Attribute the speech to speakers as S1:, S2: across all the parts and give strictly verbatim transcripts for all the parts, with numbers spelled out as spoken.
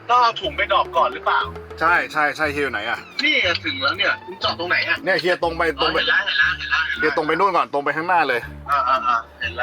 S1: ต้องเอาถุงไปดรอปก่อนหรือเปล่า
S2: ใช่ใช่ใช่เฮียอยู่ไหนอ่ะ
S1: นี่ถึงแล้วเนี่ยคุณจอดตรงไหนอ่ะ
S2: เนี่ยเฮียตรงไปตรงไป
S1: เห็นแล้วเห็นแล้วเห็นแล้ว
S2: เฮียตรงไปนู่นก่อนตรงไปข้างหน้าเลย
S1: อ่าอ่าอ่าเห็นแล้ว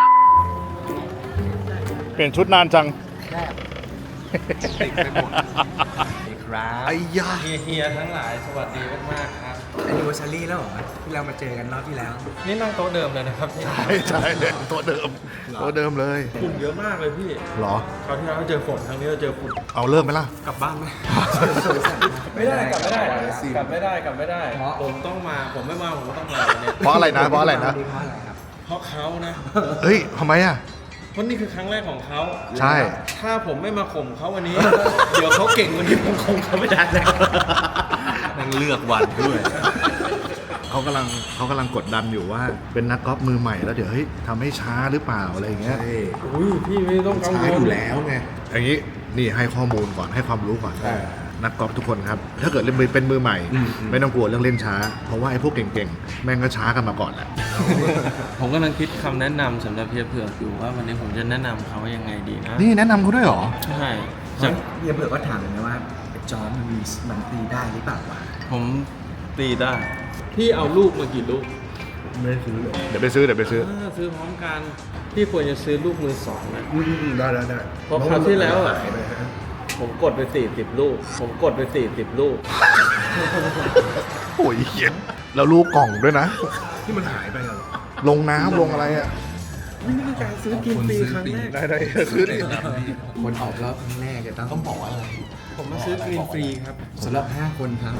S2: เปลี่ยนชุดนานจัง
S3: ติดไปหมดครับ
S2: ไอ้ยา
S4: เฮียเฮียทั้งหลายสวัสดีมากๆครับ
S3: แอนนิเวอร์ซารีแล้วเหรอที่เรามาเจอกันรอบที่แล้ว
S4: นี่นั่งโต๊ะเดิมเลยนะครับ
S2: ใช่ใช่ตัวเดิมตัวเดิมเลย
S4: ฝุ่นเยอะมากเลยพี่
S2: หรอ
S4: คราวที่แล้วเจอฝนครั้งนี้เราเจอฝุ่น
S2: เอาเริ่มไหมล่ะ
S4: กลับบ้านไหมไม่ได้กลับไม่ได้กลับไม่ได้กลับไม่ได้ผมต้องมาผมไม่มาผมก็ต้องมาเนี่ย
S2: เพราะอะไรนะเพราะอะไรนะ
S4: เพราะเขานะ
S2: เฮ้ยทำไมอ่ะ
S4: เพราะนี่คือครั้งแรกของเขา
S2: ใช่
S4: ถ้าผมไม่มาข่มเขาวันนี้เดี๋ยวเขาเก่งวันนี้ผมคงเขาไม่ได้แล้ว
S3: นั่งเลือกวันด้วย
S2: เขากำลังเขากำลังกดดันอยู่ว่าเป็นนักกอล์ฟมือใหม่แล้วเดี๋ยวเฮ้ยทำให้ช้าหรือเปล่าอะไรอย่างเงี้ย
S4: อุ้ยพี่ไม่ต้องกังวล
S2: ช้าอยู่แล้วไงอย่างนี้นี่ให้ข้อมูลก่อนให้ความรู้ก่อนนักกอล์ฟทุกคนครับถ้าเกิดเล่นเป็นมือใหม่ไม่ต้องกลัวเรื่องเล่นช้าเพราะว่าไอ้พวกเก่งๆแม่งก็ช้ากันมาก่อนแหละ
S4: ผมกำลังคิดคำแนะนำสำหรับเพียเผือกอยู่ว่าวันนี้ผมจะแนะนำเขายังไงดีนะ
S2: นี่แนะนำเขาด้วยหรอ
S4: ใช่
S3: เพียเผือกก็ถามเลยนะว่าจอร์จมันมีมันตีได้หรือเปล่าวะ
S4: ผมตีได้พี่เอาลูกมากี่ลูก
S3: ไม่ซื้อเลย
S2: เดี๋ยวไปซื้อเดี๋ยวไปซื้อ
S4: ซื้อพร้อมกันพี่ควรจะซื้อลูกมือสองนะ
S3: ได้ได้ได้
S4: เพราะคราวที่แล้วอ่ะผมกดไปสี่สิบลูกผมกดไปสี่สิบลูก
S2: โอ้ยเหี้ยแล้วลูกกล่องด้วยนะ
S3: ที่มันหายไปเหรอ
S2: ลงน้ำลงอะไรอ่ะ
S4: นี่คือการซื้อกินฟรีครั้งแรก
S2: ได้ได้ซื้อดิ
S3: คนออกรอบครั้งแรกจะต้องบอกอะไร
S4: ผมมาซื้อกินฟรีครับ
S3: สำหรับห้าคนครับ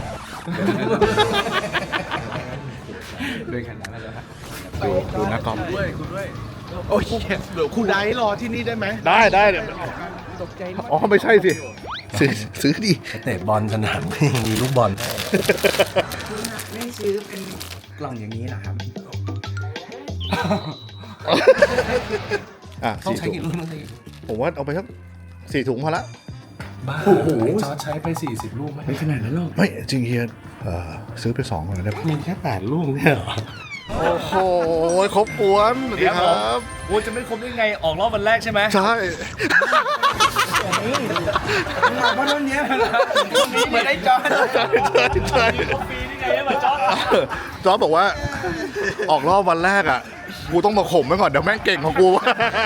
S3: ด้วยขนาดนั้นเลยครับ
S2: ดูดูนักกอล์ฟ
S1: ด้วยคุณด้วยโอ้ยเดี๋ยวคุณไดรอที่นี่ได้ไหม
S2: ได้ได้เดี๋ยวอ๋อไม่ใช่สิซื้อซื้อดิ
S3: เตะบอลสนามมีลูกบอลไม่ซื้อเป็นกล่องอย่างนี้หรอครับ
S2: อ่ะ
S3: ต้องใช้กี่ลูกนั่นเอง
S2: ผมว่าเอาไปสักสี่ถุงพอละ
S3: บ้าโอ้โหจอร์จใช้ไปสี่สิบลูกไหมไม่ขนาดนั้นหรอก
S2: ไม่จริงเฮียซื้อไปสองคนได้ปะ
S3: มีแค่แปดลูกเนี่ยเหรอ
S2: โอ้โหครบกวนสวัสดีครับ
S1: โอ้จะไม่ครบได้ไงออกรอบวันแรกใช่ไหม
S2: ใช่
S3: เพราะตอนนี้
S1: ไม่ได้จอร์จ
S2: ใช่ใช่ใช่
S1: ปีนี่ไงมาจอร์จ
S2: จอร์จบอกว่าออกรอบวันแรกอ่ะกูต้องมาข่มไว้ก่อนเดี๋ยวแม่งเก่งของกู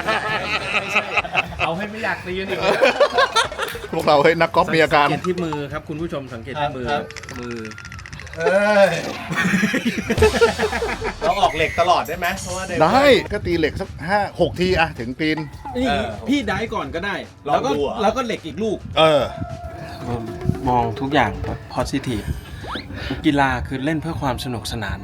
S1: เอาให้ไม่อยากตีกันอีก
S2: พวกเราเฮ้ยนักกอล์ฟมีอาการ
S4: สังเกตที่มือครับคุณผู้ชมสังเกตที่มือมือ
S1: เอ้ยเราออกเหล็กตลอดได้ไหมเพราะว่า
S2: ได้ก็ตีเหล็กสักห้าหกทีอะถึงปีน
S4: นี่พี่ได้ก่อนก็ได้แล้วก็แล้วก็เหล็กอีกลูก
S2: เออ
S4: มองทุกอย่างแบบ positive กีฬาคือเล่นเพื่อความสนุกสนาน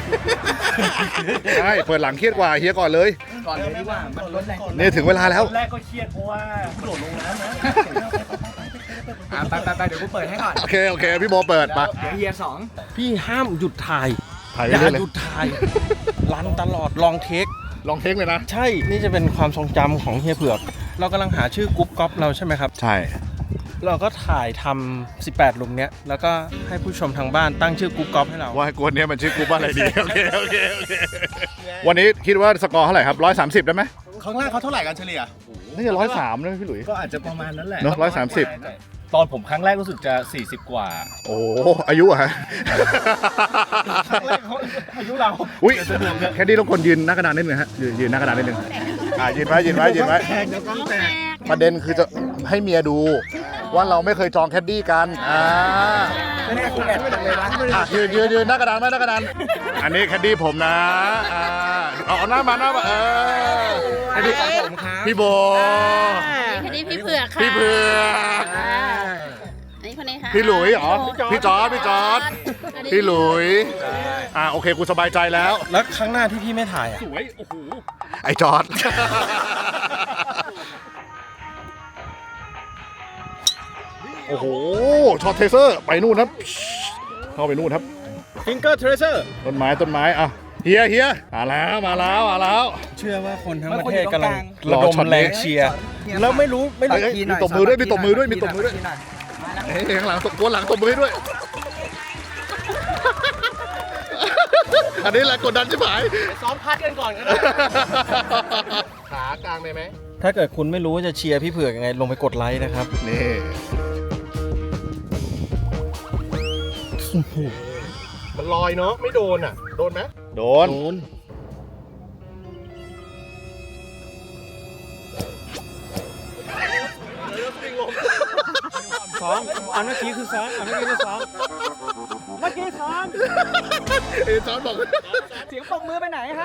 S2: ใช่เปิดหลังเครียดกว่าเฮียก่อนเลย
S1: ก่อนเลยดีกว่ามันลดแรง
S2: นี่ถึงเวลาแล้ว
S1: แรกก็เครียดเพราะว่าโดดลงน้ำนะ
S3: ไปไปไปเดี๋ยวกูเปิดให้ก่อน
S2: โอเคโอเคพี่โบเปิดไป
S3: เฮียสอง
S4: พี่ห้ามหยุดถ่าย
S2: ถ่าย
S4: อย่า
S2: ห
S4: ยุดถ่ายรันตลอดลองเทค
S2: ลองเทคเลยนะ
S4: ใช่นี่จะเป็นความทรงจำของเฮียเผือกเรากำลังหาชื่อกรุ๊ปก๊อฟเราใช่ไหมครับ
S2: ใช่
S4: เราก็ถ่ายทำสิบแปดหลุมเนี้ยแล้วก็ให้ผู้ชมทางบ้านตั้งชื่อกรุ๊ปก๊อฟให้เรา
S2: ว่ากูเนี้ยมันชื่อกรุ๊ปอะไรดีโอเคโอเคโอเควันนี้คิดว่าสกอร์เท่าไหร่ครับร้อยสามสิบได้ไหม
S1: ครั้งแรกเขาเท่าไหร่กันเฉลี่ย
S2: นี่จะร้อยสามนะพี่หลุย
S1: ก็อาจจะประมาณนั้นแหละ
S2: เนาะร้อยสามสิบ
S1: ตอนผมครั้งแรกรู้สึกจะสี่สิบกว่า
S2: โอ้อายุอะฮะ
S1: ครั้งแรกเขาอายุเรา
S2: อุ้ยแค่นี้ต้องคนยืนหน้ากระดานนิดนึงฮะยืนหน้ากระดานนิดนึงอ่ายืนไว้ยืนไว้ยืนไว้ประเด็นคือจะให้เมียดูว่าเราไม่เคยจองแคดดี้กันอ่ายืนยืนยืนหน้ากระดานไหมหน้ากระดานอันนี้แคดดี้ผมนะอ่าเอาหน้ามาหน้ามาเออ
S3: แคดดี้ของผมครับ
S2: พี่โบ
S5: แคดดี้พี่เผือกค่ะ
S2: พี่เผือก
S5: นี่คนนี้ค่ะ
S2: พี่หลุยเหรอพี่จอร์จพี่จอร์จพี่หลุยอ่าโอเคกูสบายใจแล้ว
S4: แล้วครั้งหน้าที่พี่ไม่ถ่ายอ่ะ
S1: สวยโอ้โห
S2: ไอ้จอร์จโอ้โหช็อตเทเซอร์ไปนู่นครับเข้าไปนู่นครับ
S1: ฟิงเกอร์เทเซอร์
S2: ต้นไม้ต้นไม้อ่ะเฮียเฮียมาแล้วมาแล้วมาแล้ว
S4: เชื่อว่าคนทั้งประเทศกำลังระดมแรงเชียร์แล้วไม่รู้ไม่รู้
S2: มีตบมือด้วยมีตบมือด้วยมีตบมือด้วยเฮ้ยข้างหลังตบตัวหลังตบมือด้วยอันนี้แหละกดดันใช่ไหม
S1: ซ้อมพัดกันก่อนก็ได้ขากลางได้ไหม
S4: ถ้าเกิดคุณไม่รู้ว่าจะเชียร์พี่เผือกยังไงลงไปกดไลค์นะครับ
S2: นี่
S1: มันลอยเนาะไม่โดนอ่ะ โดนไหม
S2: โดน
S1: โดน
S4: ซ้อมอันเมื่อกี้คือซ้อมอันเมื่อกี้คือซ้อมเมื่อกี้ซ้อม
S2: เอจอนบอก
S4: เสียงปรบมือไปไหนครับ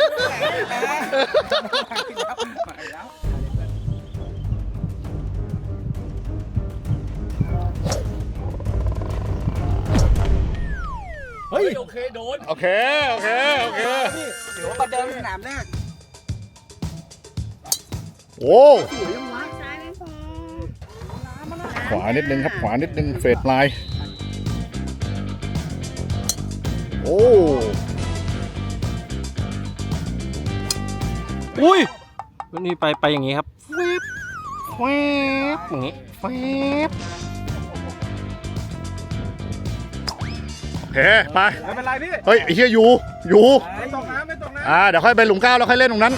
S4: เฮ้ยโอเคโดน
S2: โอเค โอเค โอเค
S4: เดี๋ยวประเดิมสนามแรก
S2: โอ้
S5: ซ้ายไม่พอ
S2: ขวานิดนึงครับ ขวานิดนึง เฟดไลน์โอ้
S4: อุ้ยวันนี้ไปไปอย่างนี้ครับแวบแวบอย่างนี้แวบ
S2: โอเค ไป
S1: ไม่เป็นไรพี่
S2: เฮ้ยไอ้เฮียอยู่ อยู่
S1: ไม่ตกน้ำไม่ตกน้
S2: อ่า เดี๋ยวค่อยไปหลุมเก้าแล้วค่อยเล่นตรงนั้น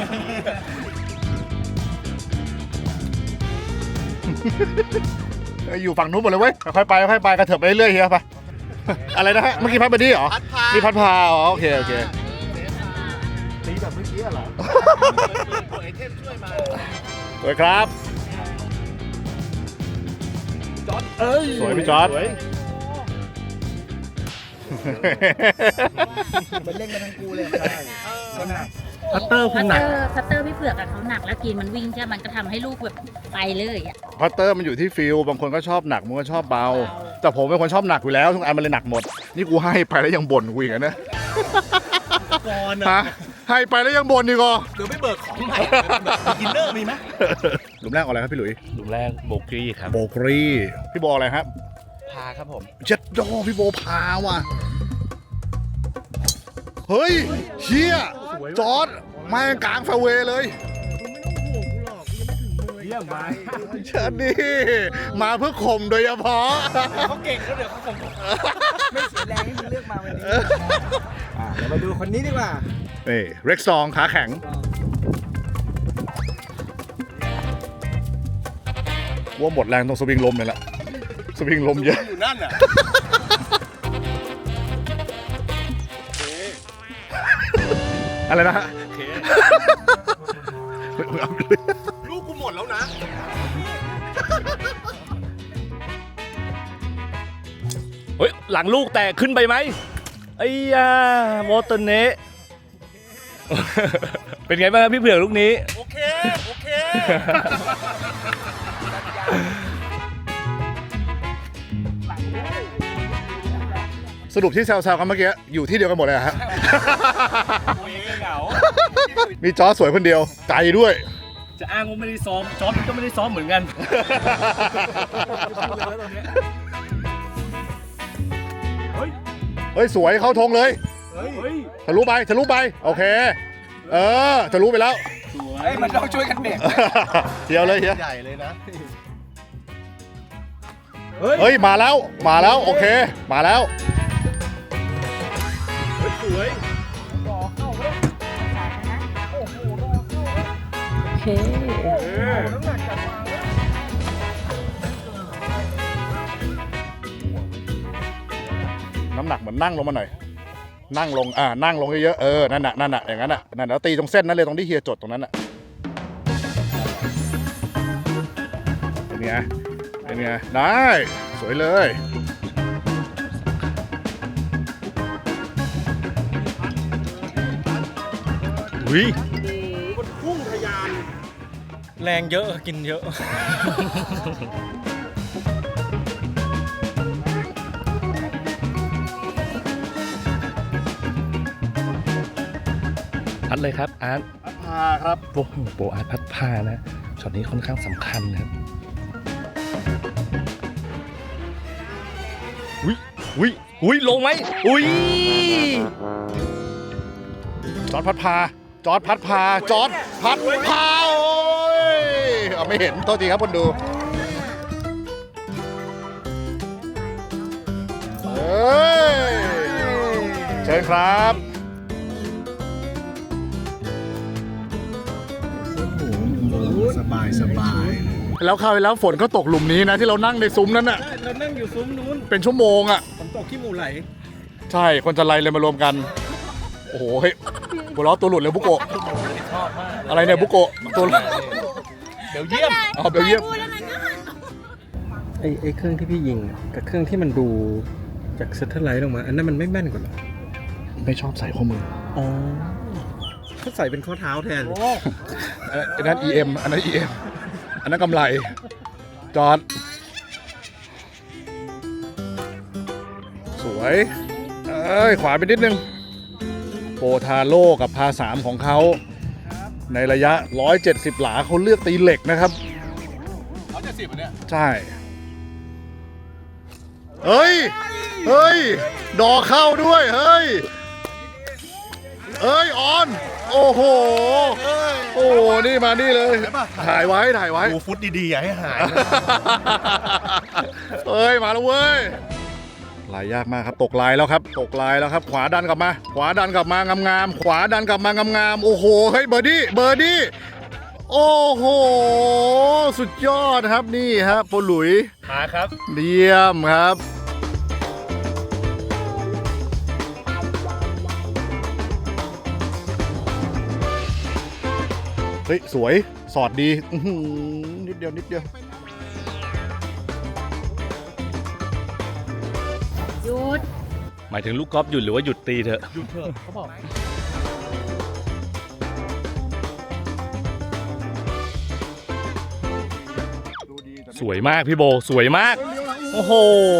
S2: เอ้ยอยู่ฝั่งนู้นหมดเลยเว้ย ค่อยๆไปค่อยๆไปกระเถิบไปเรื่อยๆเฮียไป อะไรนะฮะ เมื่อกี้พัดบดีเหรอ
S1: ำพัดพา
S2: นี่พัดพาอ๋อโอเค โอเค
S1: ตีแบบเมื่อกี้เหรอไอเทมช่วยมา
S2: สวยครับ
S1: จอดเอ้ย
S2: สวยพี่จอร์จ
S1: สวย
S3: เป็นเล่นกันทั้งกูเลย
S1: พัตเตอร์ค
S5: คั
S1: ง
S5: ต
S1: ห
S5: เต
S1: นั
S5: อก ร์คัตเตอร์พี่เผือกอะเขาหนักแล้วกินมันวิ่งใช่ไหมมันก็ทำให้ลูกแบบไปเลยอะ
S2: พัตเตอร์มันอยู่ที่ฟิลบางคนก็ชอบหนักบางคนก็ชอบเบา แต่ผมเป็นคนชอบหนักอยู่แล้วทุกอันมันเลยหนักหมด นี่กูให้ไปแล้วยังบ่นกูอีกอะนะ
S1: ก่อน
S2: ฮะ
S1: อ่ะ
S2: ให้ไปแล้วยังบ่นอีกอ่ะ
S1: เดี๋ยวไม่เบิกของใหม่กินเนอร์มีไหม
S2: หลุมแรกเอาอะไรครับพี่หลุย
S1: หลุมแรกโบกี้ครับ
S2: โบกรีพี่โบอะไรครับ
S1: พาครับผม
S2: เจ็ดดอพี่โบพาว่ะ เฮ้ยเชี่ยจอร์ดมากลางแฟร์เวย์เลย
S1: เยี่ยมไป
S2: เชิญดิมาเพื่อข่มโดยเฉพาะ
S1: เขาเก่งแล้วเดี๋ยวเขาคง
S3: ไม่เสียแรงที่มึงเลือกมาวันนี้อ่ะเดี๋ยวมาดูคนนี้ดีกว่า
S2: นี่เร็กซองขาแข็ง ว่าหมดแรงตรงสวิงลมเลยละสวิงลมเยอะ
S1: อยู่นั่นอ่ะ
S2: อะไรนะฮะ
S1: ลูกกูหมดแล้วนะ
S6: เฮ้ยหลังลูกแตกขึ้นไปไหมไอ้ยาโมเตอร์เนะ เป็นไงบ้างครับพี่เผือกลูกนี้
S1: โอเค โอเค
S2: สรุปที่แซวๆกันเมื่อกี้อยู่ที่เดียวกันหมดเลยอะฮะ มีจอร์จสวยคนเดียวใจด้วย
S6: จะอ้างว่าไม่ได้ซ้อมจอร์จก็ไม่ได้ซ้อมเหมือนกัน
S2: เฮ้ย สวยเข้าธงเลยทะลุไปทะลุไป โอเค เออทะลุไปแล้ว
S3: เฮ้ย มันต้องช่วยกันเบรก
S2: เที่ยวเลยเฮีย
S1: ใหญ่เลยนะ
S2: เฮ้ย มาแล้วมาแล้ว โอเค มาแล้ว
S1: สวย
S5: โอเค
S2: น้ำหนักเหมือนนั่งลงมาหน่อย นั่งลง อ่า นั่งลงเยอะๆ เออ นั่นน่ะ นั่นน่ะ อย่างนั้นน่ะ นั่นแล้วตีตรงเส้นนั้นเลย ตรงที่เฮียจดตรงนั้นน่ะ เป็นไง เป็นไง ได้ สวยเลย
S6: อุ้ย
S1: พุ่งทะยาน
S4: แรงเยอะกินเยอะ
S6: พัดเลยครับอาร์ต
S2: พาครับ
S6: โอ้โหโปรอาร์ตพัดผ้านะช็อตนี้ค่อนข้างสำคัญนะครับอุ้ยอุ้ยอุ้ยลงไหมอุ้ย
S2: จอร์ดพัดพา จอร์ดพัดพา จอร์ดพัดพา โอ้ยเอาไม่เห็น โทษทีครับคนดู เอ้ย เชิญครับ
S6: โอ้โห
S1: สบายสบาย
S2: แล้วคราวที่แล้วฝนก็ตกหลุมนี้นะที่เรานั่งในซุ้มนั้นน่ะ
S4: เรานั่งอยู่ซุ้มนู้น
S2: เป็นชั่วโมงอ่ะ
S4: ผมตกขี้หมูไหล
S2: ใช่คนจะไล่เลยมารวมกัน โอ้โหเฮ้ยหัวเราะตัวหลุดเลยบุโกะอะไรเนี่ยบุโกะตัวหลุด
S6: เดี๋ยวเยี่ยม
S2: อ๋อเบลเยียม
S4: ไอ้ไอ้เครื่องที่พี่ยิงกับเครื่องที่มันดูจากเซตเทอร์ไลท์ลงมาอันนั้นมันไม่แม่นกว่าหรอ
S2: ไม่ชอบใส่ข้อมือ
S4: อ๋อเขาใส่เป็นข้อเท้าแทน
S2: อันนั้น อี เอ็ม อันนั้น อี เอ็ม อันนั้นกำไร จอด สวย เอ้ย ขวาไปนิดนึง โปทาโร่กับพาสามของเขา ในระยะ หนึ่งร้อยเจ็ดสิบ หลาเขาเลือกตีเหล็กนะครับหนึ่งร้อยเจ็ดสิบ เนี่ย ใช่ เฮ้ย เฮ้ย ดอกเข้าด้วย เฮ้ย เอ้ย ออน โอ้โห โอ้โห นี่มานี่เลย ถ่ายไว้ ถ่ายไว้
S1: ดูฟุตดีๆ อย่าให้หาย
S2: เอ้ย มาแล้วเว้ย ลายยากมากครับ ตกลายแล้วครับ ตกลายแล้วครับ ขวาดันกลับมา ขวาดันกลับมางามๆ ขวาดันกลับมางามๆ โอ้โห เฮ้ย เบอร์ดี้ เบอร์ดี้ โอ้โห สุดยอดครับ นี่ครับโปรหลุย
S6: มาครับ
S2: เยี่ยมครับ เฮ้ย สวย สอดดี อื้อหือนิดเดียว นิดเดียว
S5: หยุด
S6: หมายถึงลูกกอล์ฟหยุดหรือว่าหยุดตีเถอะ
S1: หยุดเถอะเขาบอก
S6: สวยมากพี่โบ สวยมาก โอ้โห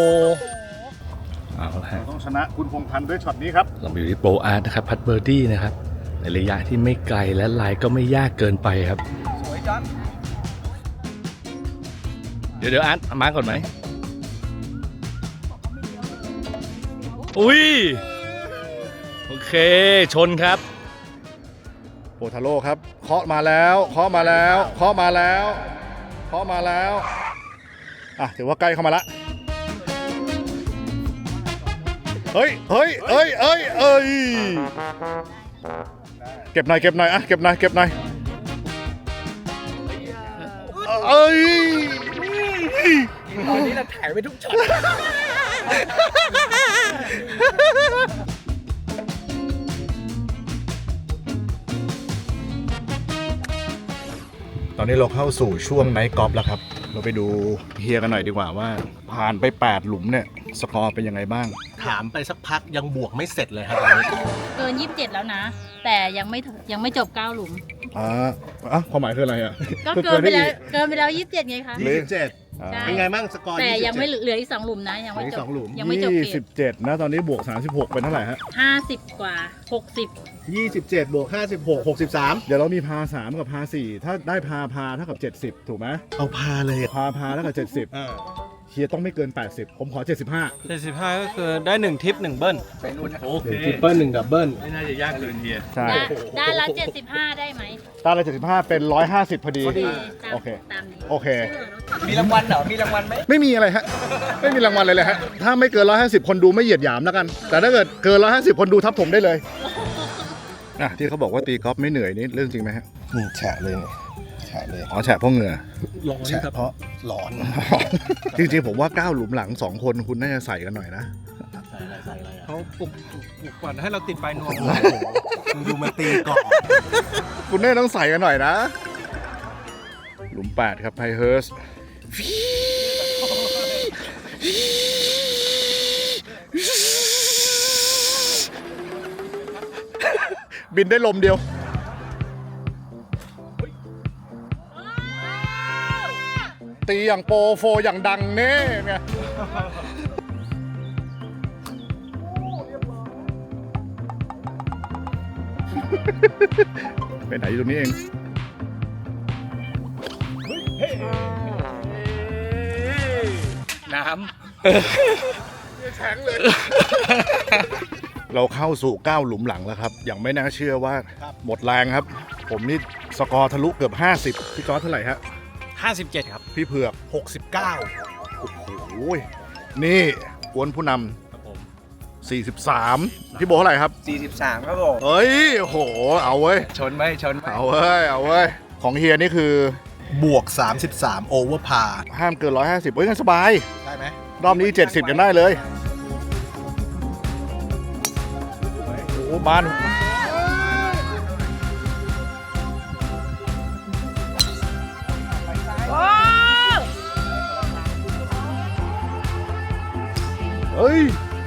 S6: เอาละฮะ
S2: ต้องชนะคุณพงษ์พันธ์ด้วยช็อตนี้ครับ
S6: เราอยู่ที่โปรอาร์ตนะครับ พัดเบอร์ดี้นะครับ ในระยะที่ไม่ไกลและลายก็ไม่ยากเกินไปครับ
S4: สวยจัง
S6: เดี๋ยวเดี๋ยวอาร์ตเอามาก่อนไหม อุ้ย โอเค ชนครับ
S2: โปทาโร่ครับ เคาะมาแล้ว เคาะมาแล้ว เคาะมาแล้ว เคาะมาแล้ว อ่ะ ถือว่าใกล้เข้ามาละ เฮ้ย เฮ้ย เอ้ย เอ้ย เอ้ย เก็บหน่อย เก็บหน่อย อ่ะ เก็บหน่อย เก็บหน่อย เอ้ย
S4: ตอนนี้เราถ่ายไปทุกช็อต
S2: ตอนนี้เราเข้าสู่ช่วงไนท์กอล์ฟแล้วครับ เราไปดูเฮียกันหน่อยดีกว่าว่า ผ่านไปแปดหลุมเนี่ย สกอร์เป็นยังไงบ้าง
S1: ถามไปสักพักยังบวกไม่เสร็จเลยครับตอนนี้
S5: เกินยี่สิบเจ็ดแล้วนะ แต่ยังไม่ถึงยังไม่จบเก้าหลุม
S2: อ่าอ่ะความหมายคืออะไรอ่ะ
S5: ก็เกินไปแล้วเกินไปแล้วยี่สิบเจ็ดไงคะ
S1: ยี่สิบเจ็ด
S2: อ่า
S5: ใช่
S1: เป็นไงบ้างสกอร์
S5: แต่
S1: ยี่สิบเจ็ด
S5: ยังไม่เหลืออีกสองหลุมนะ ยังไม่
S1: เหลืออี
S5: จ
S1: ก
S5: บ
S1: สองหลุม
S5: ยังไม่จบเก
S2: ยี่สิ
S5: ม
S2: บเจ็ดนะ ตอนนี้บวกสามสิบหกเป็นเท่าไหร่ฮะ
S5: ห้าสิบกว่าหกสิบ
S1: ยี่สิบเจ็ดบวกห้าสิบหก หกสิบสาม
S2: เดี๋ยวเรามีพาสามกับพาสี่ถ้าได้พาพาเท่ากับเจ็ดสิบถูกไหม
S1: เอาพาเลย
S2: พาพาเท่ากับเจ็ดสิบ
S1: อ่า
S2: เฮียต้องไม่เกินแปดสิบผมขอเจ็ดสิบห้า
S4: เจ็ดสิบห้าก็คือได้หนึ่งทิปหนึ่งเบิ้ล
S6: โอเค
S4: หนึ่งทิปเบิ้ลหนึ่งดับเบิ้ล
S6: ไม่น่าจะยากเกินเฮีย
S2: ใช่
S5: ได้ได้ละเจ็ดสิบห้าได้ไหม
S2: ตาละเจ็ดสิบห้าเป็นร้อยห้าสิบพอดี
S5: ตาม
S2: โอเค
S5: ตามนี้
S2: โอเค
S4: มีรางวัลเหรอ มีรางวัลไหม
S2: ไม่มีอะไรฮะ ไม่มีรางวัลเลยเลยฮะ ถ้าไม่เกินร้อยห้าสิบคนดูไม่เหยียดหยามแล้วกัน แต่ถ้าเกิดเกินร้อยห้าสิบคนดูทับถมได้เลยอ่ะที่เขาบอกว่าตีกอล์ฟไม่เหนื่อยนี่เรื่องจริงไหมฮะ
S1: อืมแฉะเลยเนี่ยแฉะเลย
S2: อ๋อแฉะเพราะเหงื่อ
S4: ร้อน
S1: แฉะ
S4: ครับ
S1: เพราะร้อน
S2: จริงๆผมว่าเก้าหลุมหลังสองคนคุณน่าจะใส่กันหน่อยนะ
S1: ใส่อะไรใส่อะไรอ่ะ
S4: เขาปลุกปลุกก่อนให้เราติดปลายนวม
S1: มึงดูมันตีก่อน
S2: คุณน่าจะต้องใส่กันหน่อยนะ หลุมแปดครับไพเฮิร์สบินได้ลมเดียว ตีอย่างโปรโฟอย่างดังเน่ไงไปไหนอยู่ตรงนี้เอง
S6: น้
S2: แข็งเลย เราเข้าสู่เก้าหลุมหลังแล้วครับ อย่างไม่น่าเชื่อว่าหมดแรงครับ ผมนี่สกอร์ทะลุเกือบห้าสิบพี่จอร์จเท่าไหร่ฮะ
S4: ห้าสิบเจ็ดครับ
S2: พี่เผือก
S1: หกสิบเก้า
S2: โอ้โหนี่กวนผู้นำสี่สิบสามพี่โบเท่าไหร่ครับ
S4: สี่สิบสามครับผม
S2: เอ้ยโอ้โห เอาเว้ย
S4: ชนไหมชนไหม
S2: เอาเว้ย เอาเว้ย ของเฮียนี่คือ
S3: บวกสามสิบสามโอเวอร์พา
S2: ห้ามเกินร้อยห้าสิบเฮ้ยงั้นสบาย
S3: ได้ไหม
S2: รอบนี้เจ็ดสิบกันได้เลยโอ้บานเฮ้ย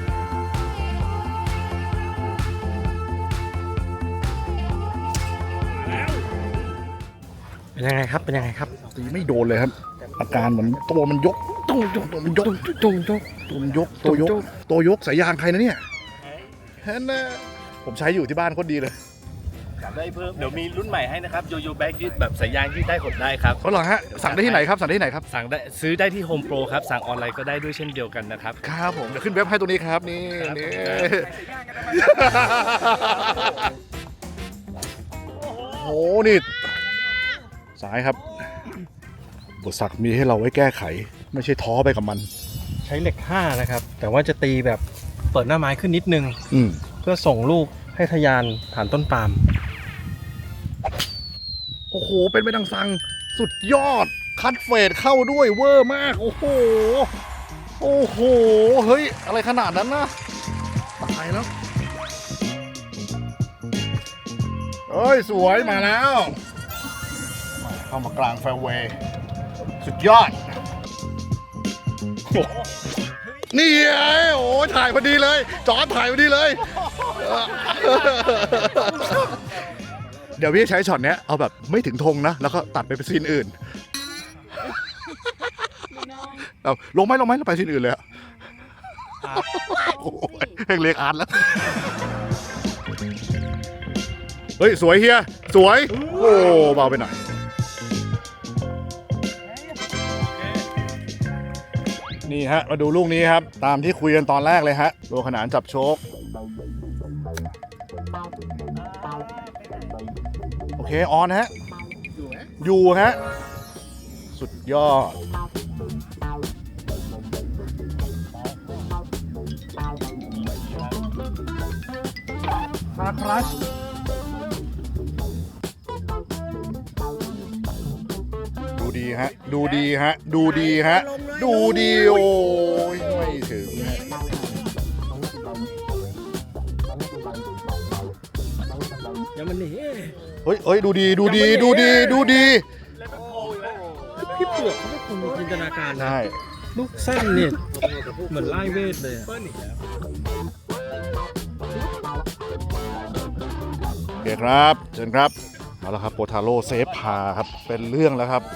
S4: เป็นยังไงครับ เป็นยังไงครับ
S2: ตีไม่โดนเลยครับ อาการเหมือนตัวมันยกตัวยกตัวมันยกตัวยกตัวมันยกตัวยกตัวยกสายยางใครนะเนี่ยเห็นนะผมใช้อยู่ที่บ้านโคตรดีเลย
S6: สั่งได้เพิ่ม เดี๋ยวมีรุ่นใหม่ให้นะครับโยโย่แบ็กยืดแบบสายยางยืดได้หดได้ครับ
S2: เขาเหรอฮะสั่งได้ที่ไหนครับสั่งได้ที่ไหนครับ
S6: สั่งได้ซื้อได้ที่ Home Pro ครับ สั่งออนไลน์ก็ได้ด้วยเช่นเดียวกันนะครับ
S2: ครับผมเดี๋ยวขึ้นเว็บให้ตรงนี้ครับนี่นี่โอ้โหนี่สายครับบทสักมีให้เราไว้แก้ไข ไม่ใช่ท้อไปกับมัน
S4: ใช้เหล็กห้านะครับ แต่ว่าจะตีแบบเปิดหน้าไม้ขึ้นนิดนึง
S2: อืม
S4: เพื่อส่งลูกให้ทะยานผ่านต้นปาล์ม
S2: โอ้โหเป็นไปดังสั่งสุดยอดคัดเฟดเข้าด้วยเวอร์มากโอ้โหโอ้โหเฮ้ยอะไรขนาดนั้นนะตายแล้วเอ้ยสวยมาแล้วเข้ามากลางแฟร์เวย์สุดยอดโอ้นี่ไงโอ้ถ่ายพอดีเลยจอร์จถ่ายพอดีเลย เดี๋ยวพี่ใช้ช็อตเนี้ยเอาแบบไม่ถึงธงนะ แล้วก็ตัดไปเป็นซีนอื่นเอาลงไหมลงไหมแล้วไปซีนอื่นเลยอะโอ้ยเพลงเรียกอาร์ตแล้ว เฮ้ย สวยเฮีย สวย โอ้เบาไปหน่อย นี่ฮะ มาดูลูกนี้ครับ ตามที่คุยกันตอนแรกเลยฮะโลขนานจับโชค โอเค ออนฮะ อยู่ฮะ สุดยอดคาครัชดูดีฮะ ดูดีฮะ ดูดีฮะ ดูดีโอ้ยไม่ถึงฮะ
S4: ยังมันหนี
S2: เฮ้ยเฮ้ย ดูดี ดูดี ดูดี ดูดี
S4: พี่เปลือกเขาไม่คงมีจินตนาการนะ
S2: ใช่
S4: ลูกสั้นเนี่ยเหมือนไล่เวทเลยอะ
S2: โอเคครับเชิญครับมาแล้วครับโปทาโร่เซฟพาครับเป็นเรื่องแล้วครับ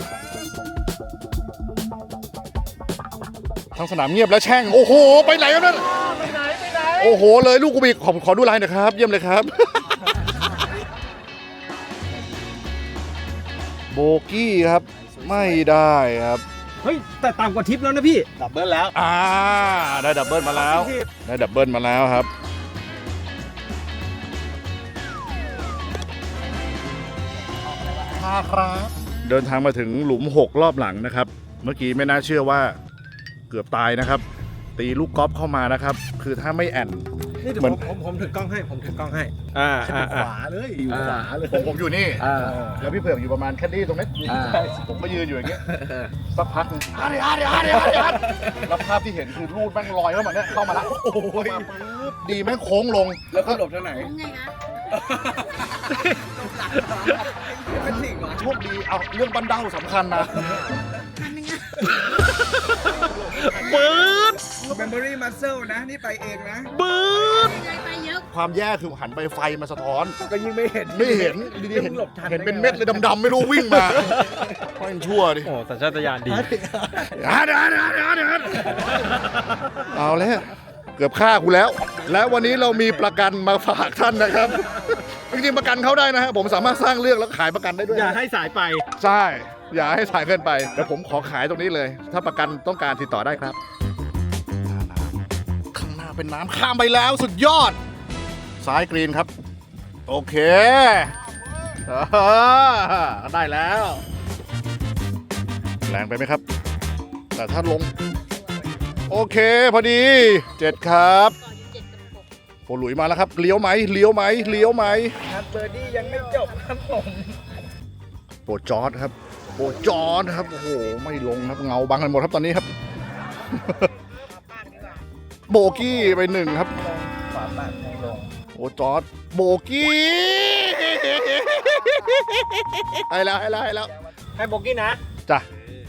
S2: ทั้งสนามเงียบแล้วแช่งโอ้โหไปไหนครับนั่นไปไหนไปไหนโอ้โหเลยลูกกูบีขอขอดูลายหน่อยครับเยี่ยมเลยครับ โบกี้ครับไม่ได้ครับ
S4: เฮ้ย แต่ต่ำกว่าทิปแล้วนะพี่
S1: ดับเบิลแล้ว
S2: อ่าได้ดับเบิลมาแล้วได้ดับเบิลมาแล้วครับครับเดินทางมาถึงหลุมหกรอบหลังนะครับเมื่อกี้ไม่น่าเชื่อว่าเกือบตายนะครับตีลูกกอล์ฟเข้ามานะครับคือถ้าไม่แอน
S4: นี่เดี๋ยว
S2: เหมือน
S4: ผมผมผมถือกล้องให้ ผมถือกล้องให้ อ่าอ่า
S1: ข
S4: อ่า
S1: วาเลยอยู่ขวาเลย
S2: ผมผมอยู่นี่
S1: อ่า
S2: แล้วพี่เผือกอยู่ประมาณแค่นี้ตรงนี้
S1: อ่า
S2: ผมก็ยืนอยู่อย่างเงี้ยสักพักหนึ่งอาร์ดิอาร์ดิอาร์ดิอาร์ดิอาร์ดิแล้วภาพที่เห็นคือรูดแม่งลอยเข้ามาเนี่ยเข้ามาแล้วโอ้ยดีแม่งโค้งลง
S1: แล้วก็หลบทางไหน
S5: ไงคะ
S1: เป็นสิ่งเหรอ
S2: โชคดีเอาเรื่องบันเดาสำคัญนะ
S5: อันนึงอะ
S2: ปืด
S1: เมมโมรี่มัสเซิลนะ นี่ไปเองนะ
S2: ปืด
S5: ไปไปเยอะ
S2: ความแย่คือหันไปไฟมาสะท้อน
S1: ก็ยิ่งไม่เห็น
S2: ไม่เห็นดีๆเห็น
S1: หลบทัน
S2: เห็นเป็นเม็ดเลยดำๆไม่รู้วิ่งมาค่อยชั่วดิ
S4: โอ้สัญชาตญาณดี
S2: อาร์ดิอาร์ดิอาร์ดิอาร์ดิอาร์ดิเอาแล้วเกือบฆ่ากูแล้ว แล้ววันนี้เรามีประกันมาฝากท่านนะครับจริงๆประกันเขาได้นะฮะผมสามารถสร้างเรื่องแล้วขายประกันได้ด้วย
S4: อย่า
S2: นะ
S4: ให้สายไป
S2: ใช่ อย่าให้สายเกินไปเดี๋ยวผมขอขายตรงนี้เลย ถ้าประกันต้องการติดต่อได้ครับข้างหน้าเป็นน้ำข้ามไปแล้วสุดยอด ซ้ายกรีนครับ โอเคเออได้แล้ว แรงไปไหมครับ แต่ถ้าลง โอเคพอดีเจ็ดครับ
S5: ก่อนอยู่เจ็ดกับหก
S2: โปรหลุยมาแล้วครับเลี้ยวไหมเลี้ยวไหมเลี้ยวไหม
S1: ครับเบอร์ดี้ยังไม่จบครับผม
S2: โปรจอร์ดครับโอ้จอนะครับ โอ้โห ไม่ลงครับ เงาบังกันหมดครับตอนนี้ครับ โบกี้ไปหนึ่งครับ
S3: ขวาปากให้ลง
S2: โอ้จอร์ดโบกี้ให้แล้วให้แล้วให้แล้ว
S4: ให้โบกี้นะ
S2: จ้ะ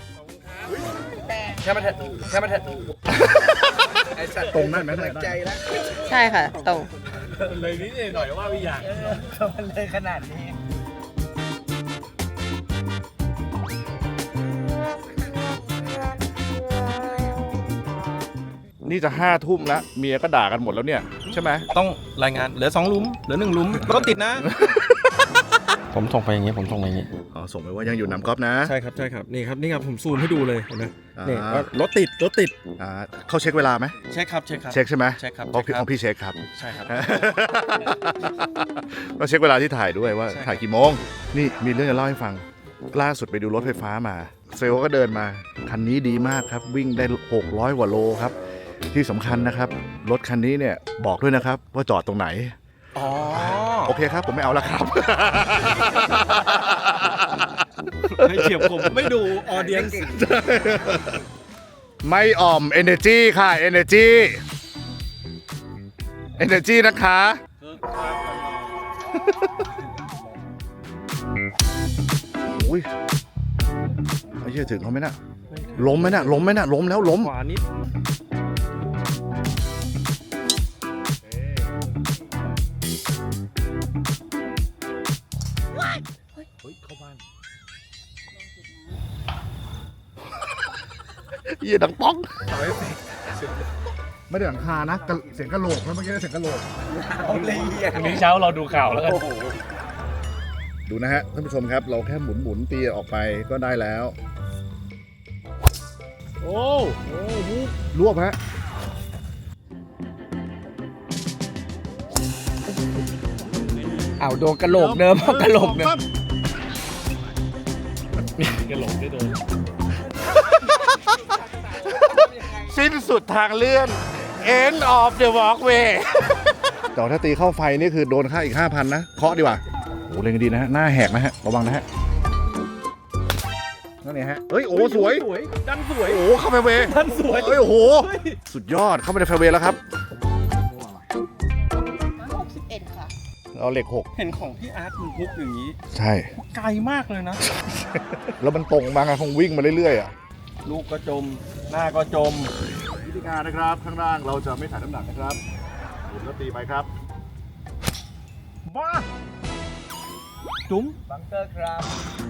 S4: แค่มาเถอะแค่มาเถอะ
S3: ไอ้สัตว์
S2: ตรงได้ไหม
S3: ใจแล้ว
S5: ใช่ค่ะตรง
S4: เลยนิดหน่อยว่าไม่อยาก
S3: มันเลยขนาดนี้
S2: นี่จะห้าทุ่มแล้วเมียก็ด่ากันหมดแล้วเนี่ยใช่ไหม
S4: ต้องรายงานเหลือสองหลุมเหลือหนึ่งหลุมรถติดนะ ผมส่งไปอย่างงี้ผมส่งไปอย่างงี้
S2: อ๋อส่งไปว่ายังอยู่น้ำก๊อฟนะ
S4: ใช่ครับใช่ครับนี่ครับนี่ครับผมซูมให้ดูเลยเห็นไหม
S2: อ่า
S4: นี่ว่ารถติดรถติด
S2: อ่าเขาเช็คเวลาไหม
S4: เช็คครับเช็คครับ
S2: เช็คใช่ไหม
S4: เช็คครับ
S2: เพราะพี่
S4: เช็คครับ
S2: ของพี่เช็คครับ
S4: ใช่ครับ
S2: ก็เช็คเวลาที่ถ่ายด้วยว่า
S4: ใช่ครับ
S2: ถ่ายกี่โมง นี่มีเรื่องจะเล่าให้ฟัง ล่าสุดไปดูรถไฟฟ้ามา เซลล์ก็เดินมา คันนี้ดีมากครับ วิ่งได้ หกร้อยกว่าโลครับ ที่สำคัญนะครับ รถคันนี้เนี่ยบอกด้วยนะครับ ว่าจอดตรงไหน
S4: อ๋อ
S2: โอเคครับ ผมไม่เอาละครับ
S4: ไม่เฉียบผมไม่ดูออเดียน
S2: ไม่อ่อม Energy ค่ะ Energy Energy นะคะโอ้ยไอ้เหี้ยถึงเขาไหมน่ะล้มไหมน่ะล้มไหมน่ะล้มแล้วล้ม
S4: ขวานิด
S2: เหี้ยดังป๊อกไม่ได้หลังคานะกระเสียงกระโหลกแล้วเมื่อกี้เสียงกระโหลก
S3: เอาเลยเหี้ย
S6: วันนี้เช้าเราดูข่าวแล้วกัน
S2: ดูนะฮะท่านผู้ชมครับ เราแค่หมุนหมุนๆตีออกไปก็ได้แล้ว
S6: โอ้โอ้โห
S2: รวบฮะ
S3: เอาโดนกระโหลกเดิมเอากระโหลกเดิม
S6: กระโหลกได้โดน
S2: สิ้นสุดทางเลื่อน end of the walkway แต่ถ้าตีเข้าไฟนี่คือโดนค่าอีก ห้าพัน นะ เคาะดีกว่าโอ้เล่นกันดีนะฮะ หน้าแหกนะฮะ ระวังนะฮะ นั่นไงฮะ เฮ้ย โอ้ สวย
S4: สวยดันสวย
S2: โอ้ เข้าไปเวย์
S4: ดันสวย
S2: เฮ้ย โอ้โห สุดยอด เข้าไปในไฟเวย์แล้วครับ
S5: หกสิบเอ็ดค่ะ
S2: เอาเหล็กหก
S4: เห็นของพี่อาร์ตมันพุกอย่างนี้
S2: ใช่
S4: ไกลมากเลยนะ
S2: แล้วมันตรงมาไงคงวิ่งมาเรื่อยๆอ่ะ
S4: ลูกก็จม หน้าก็จม
S2: วิธีการนะครับ ข้างล่างเราจะไม่ถ่ายน้ำหนักนะครับหมุนแล้วตีไปครับ
S4: บ้า จุ๋ม
S3: บังเกอร์ครับ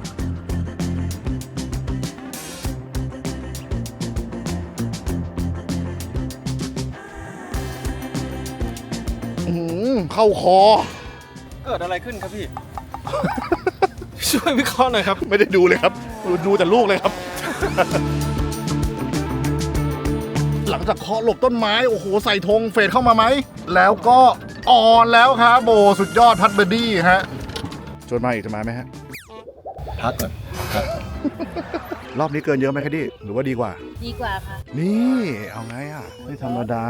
S2: อื้อหือเข้าคอ
S4: เกิดอะไรขึ้นครับพี่ ช่วยวิเคราะห์หน่อยครับ
S2: ไม่ได้ดูเลยครับ ดูแต่ลูกเลยครับ หลังจากเคาะหลบต้นไม้ โอ้โห ใส่ธงเฟดเข้ามาไหม แล้วก็ออนแล้วครับโบสุดยอดพัดเบอร์ดี้ฮะชวนมาอีกจะมาไหมฮะ
S3: พักก่อน
S2: รอบนี้เกินเยอะไหมครับดิหรือว่าดีกว่า
S5: ดีกว่าค่ะ
S2: นี่ เอาไงอ่ะ ไม่ธรรมดา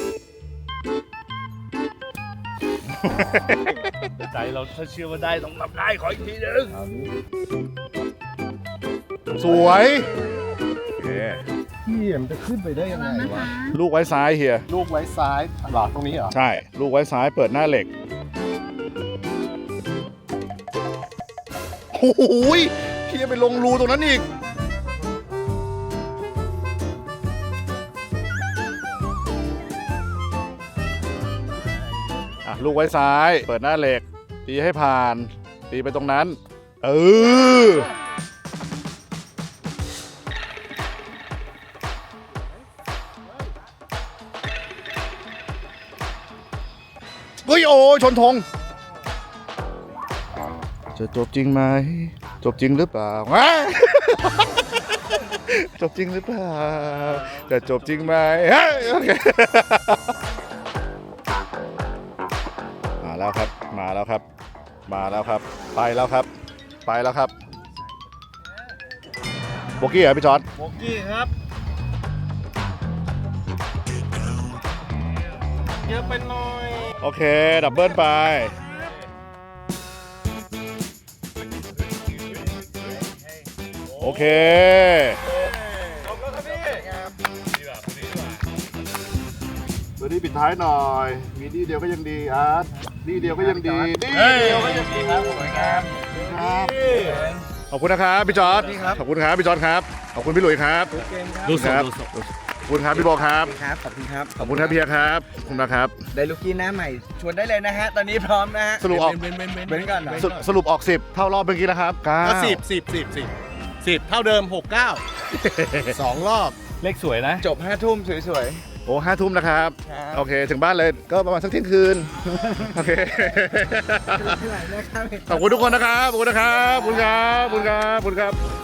S6: ใจเราถ้าเชื่อว่าได้ต้องทำได้ขออีกทีหนึง
S2: สวยโอเค
S1: พี่มันจะขึ้นไปได้ยังไงวะ
S2: ลูกไว้ซ้ายเฮีย
S1: ลูกไว้ซ้ายหรอตรงนี้เหรอ
S2: ใช่ ลูกไว้ซ้ายเปิดหน้าเหล็ก โอ้โหยพี่จะไปลงรูตรงนั้นอีก อ่ะ ลูกไว้ซ้าย เปิดหน้าเหล็ก ตีให้ผ่าน ตีไปตรงนั้น เออ เฮ้ย โอ้ยชนธง จะจบจริงไหม จบจริงหรือเปล่า ว้า จบจริงหรือเปล่า จะจบจริงไหมเฮ้ยโอเค มาแล้วครับ มาแล้วครับ มาแล้วครับ ไปแล้วครับ ไปแล้วครับ โบกี้เหรอพี่จอร์ด
S4: โบกี้ครับ เยอะไปหน่อย
S2: โอเค ดับเบิลไป
S6: โ
S2: เค เบอร์ดี้ปิดท้ายหน่อย มีดีเดียวก็ยังดีอาร์ตดีเดียวก็ยังดีดีเดียวก็ยังดีครับขอบคุณครับขอบคุณนะครับพี่จอร์ดขอบคุณครับพี่จอร์ดครับ ขอบคุณพี่หลุยส์ครับ
S6: ดูส
S2: ค
S6: ด
S2: รับ
S6: ดูสด
S2: ขอบคุณครับพี่บอกครับ
S3: ครับ ขอบคุณครับ
S2: ขอบคุณครับพี่เบียร์ครับขอบคุณนะครับ
S3: ได้ลูกกี้หน้าใหม่ ชวนได้เลยนะฮะ ตอนนี้พร้อมนะฮะ
S2: สรุปออก
S3: เว้นก่อนเหรอ
S2: สรุปสรุปออกสิบเท่ารอบเมื่อกี้นะครับเก้า
S1: ก็สิบสิบสิบสิบสิบเท่าเดิมหกเก้าสองรอบ
S6: เลขสวยนะ
S3: จบห้าทุ่มสวย
S2: โอ้ห้าทุ่มนะครับ
S3: ครับ
S2: โอเค ถึงบ้านเลยก็ประมาณสักเที่ยงคืน โอเค
S3: ๆนะครับ
S2: ขอบคุณทุกคนนะครับ ขอบคุณนะครับ ขอบคุณครับ ขอบคุณครับ ขอบคุณครับ